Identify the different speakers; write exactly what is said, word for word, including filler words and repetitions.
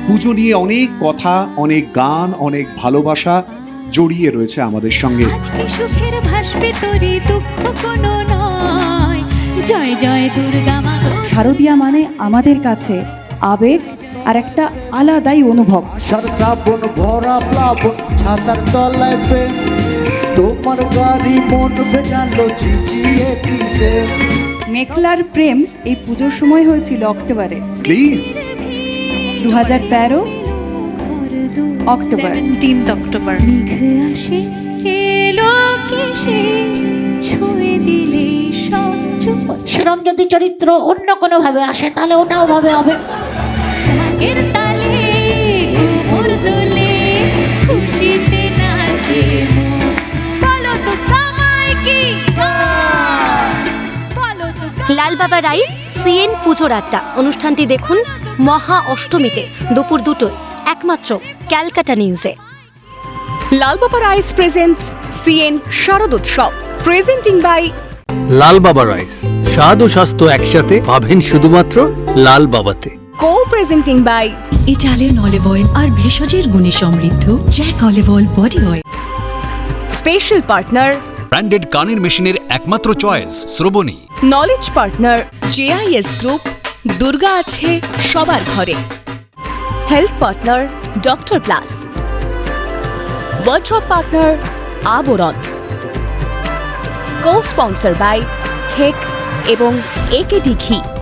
Speaker 1: পুজো নিয়ে অনেক কথা, অনেক গান, অনেক ভালোবাসা জড়িয়ে রয়েছে আমাদের সঙ্গে।
Speaker 2: আজকে সুখের ভাসবে তোরে, দুঃখ কোনো নয়। জয় জয় দুর্গা মা।
Speaker 3: শারদীয়া মানে আমাদের কাছে আবেগ আর একটা আলাদাই অনুভব।
Speaker 4: আষাঢ় শ্রাবণ ভরা প্লাবন, ছাতার তলায় প্রেম, তোমার গাড়ি মন ভেজালো ঝিঝিয়ে কিসে।
Speaker 3: মেঘলার প্রেম এই পুজোর সময় হয়েছিল অক্টোবরে,
Speaker 1: প্লিজ
Speaker 3: দু হাজার তেরো অক্টোবর।
Speaker 2: Seventeenth October. মেঘ আসে এলো কেসে, ছুঁয়ে দিলে সব চুপ।
Speaker 5: সেরম যদি চরিত্র অন্য কোনো ভাবে আসে তাহলে ওটাও ভাবে হবে।
Speaker 2: ঢাকের তালে কোমর দোলে, খুশিতে নাচে মন। বলো তো কামাই কি জয়, বলো তো কামাই
Speaker 6: লাল বাবা রাইস সিএন পুজোর আড্ডা অনুষ্ঠানটি দেখুন মহা অষ্টমীতে দুপুর দুটোয় একমাত্র ক্যালকাটা নিউজে।
Speaker 7: Lal Baba rice presents CN Sharodotsav, presenting by
Speaker 8: Lal Baba rice. স্বাদ ও স্বাস্থ্য একসাথে পাবেন শুধুমাত্র লাল বাবাতে।
Speaker 7: Co presenting by
Speaker 9: Italian olive oil আর ভেষজের গুণে সমৃদ্ধ Jack olive oil body oil.
Speaker 7: Special partner
Speaker 10: branded কানের মেশিনের একমাত্র choice Shrabani.
Speaker 7: Knowledge partner
Speaker 9: JIS group, Durga আছে সবার ঘরে।
Speaker 7: Health partner doctor plus. Wardrobe partner Abaran. Co sponsor by ঠেক এবং একেডি ঘি।